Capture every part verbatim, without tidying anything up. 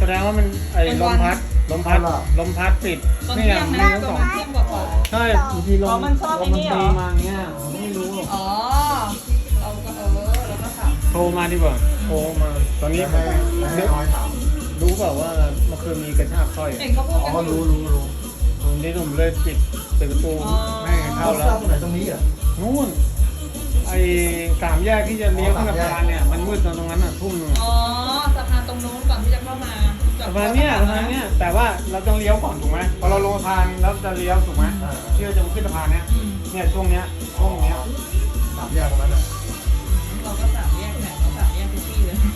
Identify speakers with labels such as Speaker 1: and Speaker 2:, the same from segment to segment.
Speaker 1: ดงว่ามันไอ้ลมพัดลมพัดลมพัดปิด
Speaker 2: ตอน
Speaker 1: นี่
Speaker 2: เที่
Speaker 1: ไง
Speaker 2: ยง
Speaker 1: มี
Speaker 2: นะ
Speaker 1: ทั้ง
Speaker 2: ต
Speaker 1: ส
Speaker 2: อ
Speaker 1: อน ง
Speaker 2: เที่ยงกว่า
Speaker 1: ใช่บางทีล
Speaker 2: อ๋อ
Speaker 1: ม
Speaker 2: มันชอบ
Speaker 1: ล
Speaker 2: ไอ้
Speaker 1: ม
Speaker 2: นี่
Speaker 1: มัน
Speaker 2: เหร
Speaker 1: ตี
Speaker 2: อ
Speaker 1: มาอย่างเงี้ยผมไม่รู้
Speaker 2: ๆอ๋อเราก็เออเราก็ขับ
Speaker 1: โทรมาดีกว่าโทรมาตอนนี้
Speaker 3: ให้ให้น้อยถาม
Speaker 1: รู้เปล่าว่าเมื่อคืนมีกระชากสร้อย
Speaker 2: เห็นเขาพูด
Speaker 3: อ๋
Speaker 2: กั
Speaker 3: อน
Speaker 2: อยู่
Speaker 3: รู้รู้รู้
Speaker 1: วันนี้ผมเลยปิดปิดประตู
Speaker 2: อ๋อ
Speaker 1: ไม่ให้
Speaker 3: เข้า
Speaker 1: เข้า
Speaker 3: แล้
Speaker 1: แล้ว ว
Speaker 3: ตรงไหนตรงนี้อ่ะ
Speaker 1: นู่นไอ้สามแยกที่จะเลี้ยวขึ้นสะพานเนี่ยมันมืดตรงนั้นอ่ะทุ่มหนึง
Speaker 2: อ๋อสะพานตรงนู้นก่อนที่จะเข้ามา
Speaker 1: สะพานเนี่ยสะพานเนี่ยแต่ว่าเราต้องเลี้ยวก่อนถูกไหมพอเราลงสะพานแล้วจะเลี้ยวถูกไหมที่เราจะขึ้นสะพานเนี่ย
Speaker 2: อืม
Speaker 1: เนี่ยช่วงเนี้ยช่วงเนี้ย
Speaker 3: สามแยกตรงนั้นอ่ะ
Speaker 2: เราก็สามแยกแหละเราสามแยกทุกที่เลย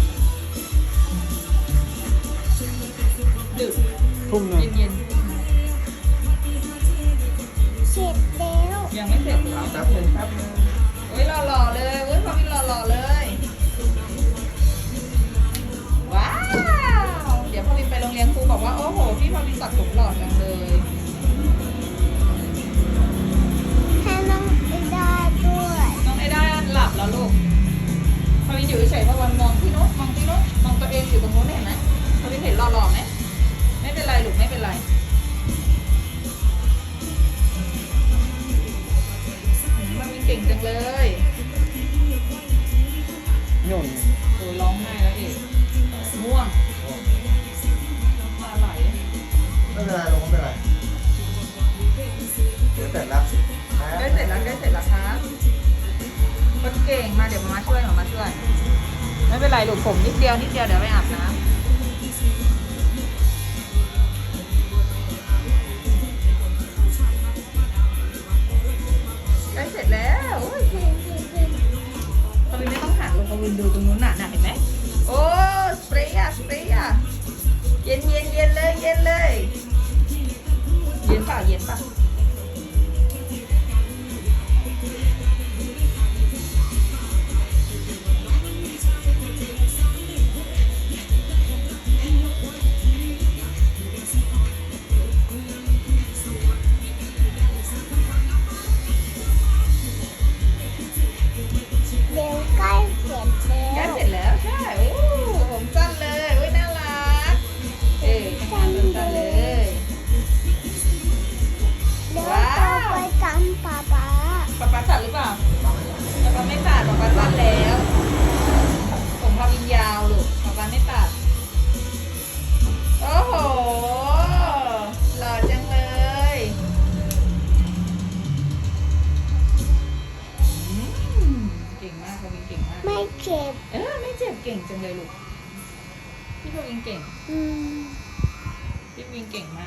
Speaker 2: ดึก
Speaker 1: ทุ่มหนึง
Speaker 2: เย็น
Speaker 4: เสร็จแล้ว
Speaker 2: ๆยังไม่เสร็จ
Speaker 3: ถามแป๊บนึง
Speaker 2: แป๊บนึงเฮ้ยหล่อๆเลยเฮ้ยพอมีหล่อๆเลย ว้าว เดี๋ยวพอวินไปโรงเรียนครูบอกว่า โอ้โห พี่พอวินตัดผมหล่อจังเลย
Speaker 4: ให้น้องไอดาด้วย
Speaker 2: น้องไอ้ได้หลับแล้วลูกพอวินอยู่เฉยๆพอวันมองที่โน้นมองที่โน้นมองตัวเองอยู่ตรงโน้นเห็นไหมพอวินเห็นหล่อๆไหมไม่เป็นไรลูกไม่เป็นไรพอวินเก่งจังเลย
Speaker 1: โน่น
Speaker 2: โอ้ยร้องไห้แล้วเอกม่วงน้ำตาไหล
Speaker 3: ไม่เป็นไรลงไม่เป็นไรเดี๋ยวเสร็จแล้ว
Speaker 2: ใกล้เสร็จแล้วใกล้เสร็จแล้วครับคนเก่งมาเดี๋ยวมามาช่วยมามาช่วย ไม่เป็นไรลูกผมนิดเดียวนิดเดียวเดี๋ยวไปอาบน้ำใกล้เสร็จแล้วโอ้ยเก่งเก่งเก่งพอวินไม่ต้องหันลงพอวินดูตรงนู้นน่ะน่ะเห็นไหมโอ้สเปรย์อะสเปรย์อะเย็นเย็นเย็นเลยเย็นเลยเย็นเปล่าเย็นเปล่า
Speaker 4: เดี๋ยวใกล้เสร็จ
Speaker 2: ใกล้
Speaker 4: แล้ว
Speaker 2: เสร็จแล้วใช่โอ้ผมสั้นเลยโอ้ยน่ารักเอ้ยสั้นสั้นเลย
Speaker 4: เดี๋ยวเราไปกันป๊าป๊า
Speaker 2: ป๊าป๊าตัดหรือเปล่าป๊าป๊าไม่ตัดป๊าป๊าสั้นแล้วผมพาวินยาวลูกป๊าป๊าไม่ตัดโอ้โหหล่อจังเลยอืมเก่งมากพาวินเก่งมาก
Speaker 4: ไม่เจ็บ
Speaker 2: เออไม่เจ็บเก่งจังเลยลูกพี่พาวินเก่ง
Speaker 4: อืม
Speaker 2: พี่วินเก่งมาก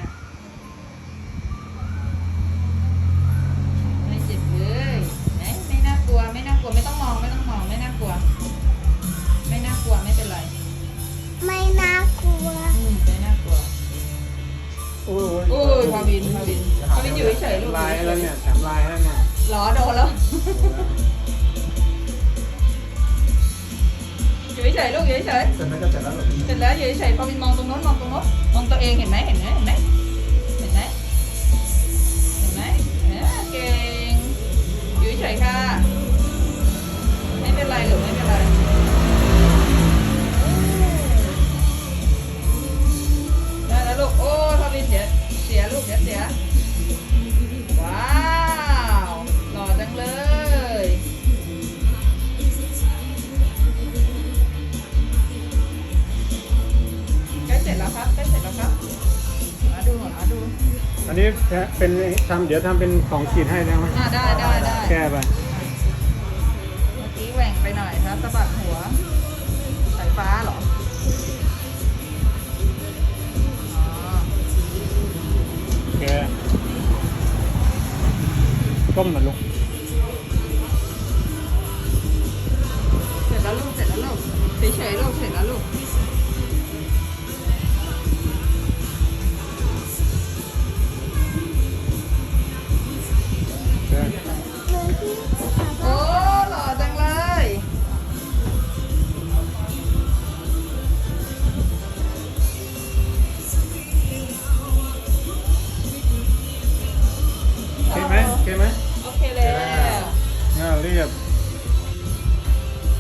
Speaker 2: ไม่เจ็บเลยไหนไม่น่ากลัว ไม่น่ากลัว ไม่ต้องมอง ไม่ต้องมอง ไม่น่ากลัว ไม่น่ากลัว ไม่เป็นไร
Speaker 4: ไม่น่ากลัว
Speaker 2: อืมไม่น่ากลัว
Speaker 1: โอ้ย
Speaker 2: โอ้ยพาวินพาวินพาวินอยู่เฉยๆลูก
Speaker 1: ลายแล้วเนี่ยแถมลายแล้วเนี่ย
Speaker 2: หรอโดนแล้ว อยู่เฉยๆลูกอยู่เฉยๆ
Speaker 3: เสร็จแล้วก็เสร็จแล้วเหรอ
Speaker 2: เสร็จแล้วอยู่เฉยๆพอวินมองตรงโน้นมองตรงโน้นมองตัวเองเห็นไหมเห็นไหมเห็นไหมเห็นไหมเห็นไหมเออเก่งอยู่เฉยๆค่ะไม่เป็นไรหรือไม่เป็นไรได้แล้วลูกโอ้พอวินเดี๋ยวเสียลูกเดี๋ยวเสียว้าวหล่อจังเลยใกล้เสร็จแล้วครับใกล้เสร็จแล้วครับมาดูมาดู
Speaker 1: อันนี้เป็นทำเดี๋ยวทำเป็นของขีดให้ได้ไหม
Speaker 2: อ่าได้ได้ได้
Speaker 1: แก้ไป
Speaker 2: เมื่อกี้แหว่งไปหน่อยครับสะบัดหัวสายฟ้าเหรออ๋อ
Speaker 1: แกก้มหน่อยลูก
Speaker 2: เสร็จแล้วลูกเสร็จแล้วลูกเฉยๆลูกเสร็จแล้วลูก
Speaker 1: แก
Speaker 4: หนูที่ป๊า
Speaker 2: โอ้
Speaker 4: ป๊า
Speaker 2: หล่อจังเลย
Speaker 1: โอเคไหมโอเคไหม
Speaker 2: โอเคแล้ว
Speaker 1: น่าเรียบ